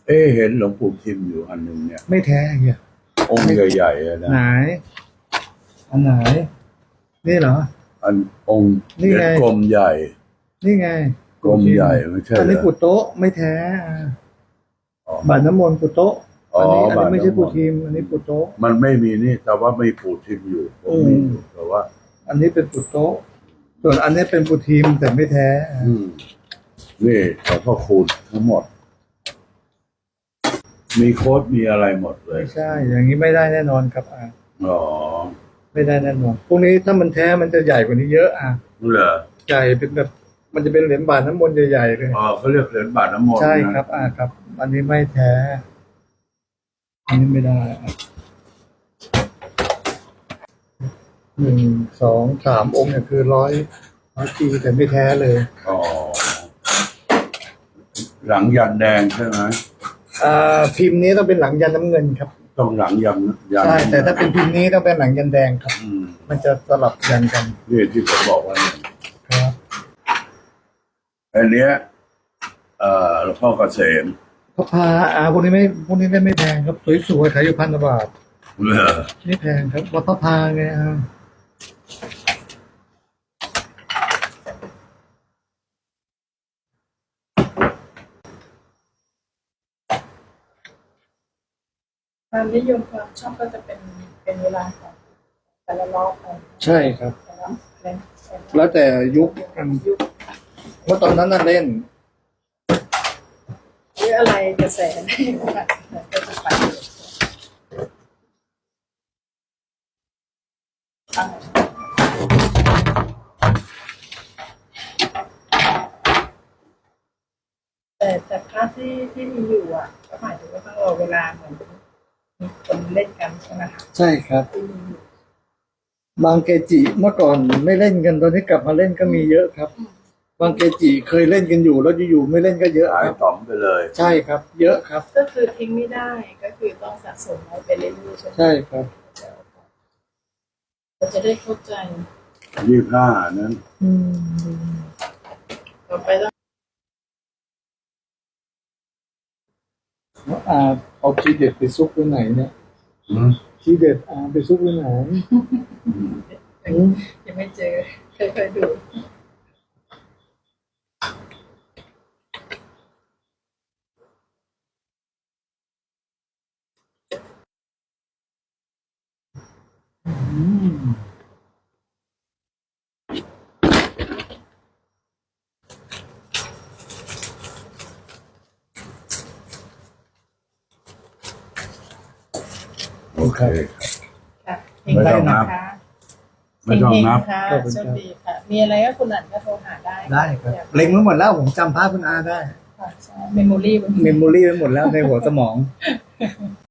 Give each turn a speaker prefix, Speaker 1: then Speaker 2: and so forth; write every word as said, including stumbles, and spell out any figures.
Speaker 1: เอ๊ะเห็นหลวงปู่ทิมอยู่อันหนึ่งเนี่ย
Speaker 2: ไม่แท้เฮีย
Speaker 1: องค์ใหญ่ๆอะนะ
Speaker 2: ไหนอันไหนนี่เหรอ
Speaker 1: อันองค์
Speaker 2: นี่ไง
Speaker 1: กลมใหญ่
Speaker 2: นี่ไง
Speaker 1: กลมใหญ่ไม่ใช่
Speaker 2: อัน
Speaker 1: เหร
Speaker 2: นี้ปุ
Speaker 1: อ
Speaker 2: โตะไม่แท้
Speaker 1: อ๋อบ
Speaker 2: าทน้ำมนต์ปุโตะ
Speaker 1: อ๋อ
Speaker 2: อันนี้อัน
Speaker 1: บา
Speaker 2: นี้
Speaker 1: ท
Speaker 2: ไม่ใช่
Speaker 1: น้ำม
Speaker 2: ปุ
Speaker 1: นต์
Speaker 2: ทีมอันนี้ปุโตะ
Speaker 1: มันไม่มีนี่แต่ว่าไม่ปู่ทิมอยู่ผมมีอยู่แต่ว่า
Speaker 2: อันนี้เป็นปุโตะส่วนอันนี้เป็นปุทีมแต่ไม่แท้
Speaker 1: อืมนี่หลวงพ่อคูณทั้งหมด มีโค้ดมีอะไรหมดเลย
Speaker 2: ไม่ใช่ อย่างนี้ไม่ได้แน่นอนครับอ่ะ
Speaker 1: อ๋อ
Speaker 2: ไม่ได้แน่นอนพวกนี้ถ้ามันแท้มันจะใหญ่กว่านี้เยอะอ่ะ
Speaker 1: เหรอ
Speaker 2: ใหญ่เป็นแบบมันจะเป็นเหรียญบาทน้ำมนต์ใหญ่ๆเลย
Speaker 1: อ๋อเขาเรียกเหรียญบาทน้ำมนต์
Speaker 2: ใช่
Speaker 1: นะครับ
Speaker 2: อ่าครับ อันนี้ไม่แท้ อันนี้ไม่ได้อ่ะหนึ่งสองสามองค์เนี่ยคือร้อยร้อยปีแต่ไม่แท้เลย
Speaker 1: อ๋อหลังยันแดงใช่ไหม
Speaker 2: อ่าพิมพ์นี้ต้องเป็นหลังยันน้ำเงินครับ
Speaker 1: ต้องหลังยันยัน
Speaker 2: ใช่แต่ถ้าเป็นพิมพ์นี้ต้องเป็นหลังยันแดงครับ
Speaker 1: อืม
Speaker 2: มันจะสลับยันกัน
Speaker 1: นี่ที่ผมบอกว่าเนี่ย
Speaker 2: ครับ
Speaker 1: อันเนี้ยเอ่อหลวงพ่อเกษม
Speaker 2: พระพาอ่าพวกนี้ไม่พวกนี้ได้ไม่แพงครับสวยๆขายอยู่พันกว่าบาท
Speaker 1: เหรอ
Speaker 2: ไม่แพงครับวัดพระพาไงอ่า
Speaker 3: ความนิยมความชอบก็จะเป็นเป็นเวลาของแต่ละรอบไป
Speaker 2: ใช่ครับ
Speaker 3: แต่ละเล่น
Speaker 2: แล้วแต่ยุคกัน
Speaker 3: ยุค
Speaker 2: เมื่อตอนนั้นน่ะเล่น
Speaker 3: หรืออะไรกระแสในว่าก็จะไปแต่แต่พระที่ที่มีอยู่อ่ะก็หมายถึงว่าต้องรอเวลาเหมือนมีคนเล่นกันใช่ไหมคะ
Speaker 2: ใช่ครับ
Speaker 3: ที่มีอยู่
Speaker 2: บางเกจิเมื่อก่อนไม่เล่นกันตอนนี้กลับมาเล่นก็มีเยอะครับ บางเกจิเคยเล่นกันอยู่แล้วอยู่ๆไม่เล่นก็เยอะ
Speaker 1: หาย
Speaker 2: ครับ
Speaker 1: ต่อมไปเลย
Speaker 2: ใช่ครับ เยอะครับ
Speaker 3: ก็คือทิ้งไม่ได้ก็คือต้องสะสมไว้ไปเรื่อยๆใช่ไหม
Speaker 2: ใช่ครับ
Speaker 3: เราจะได้เข้าใจ
Speaker 1: ยี่ห้านั้น
Speaker 2: อืม
Speaker 3: ต่อไปต้อง
Speaker 2: แล้วอาเอาทีเด็ดไปซุกไว้ไหนเนี่ย
Speaker 1: อืม
Speaker 2: ทีเด็ดอาไปซุกไว้ไหนอืม
Speaker 3: ยังไม่เจอเคยเคยดู
Speaker 2: อืม
Speaker 1: โอเค
Speaker 3: ค่ะ
Speaker 1: ไม่ต้องนับ
Speaker 3: นะคะ
Speaker 1: ไม่ต้องนับ
Speaker 3: เฮงๆค่ะโชคดีค่ะ มีอะไรก็คุณอันก็โทรหาได้
Speaker 2: ได้ครับเล็งไว้หมดแล้วผมจำภาพคุณอาได้
Speaker 3: ค่ะใช่เมมโมรี่
Speaker 2: เมมโมรี่ไว้หมดแล้วในหัวสมอง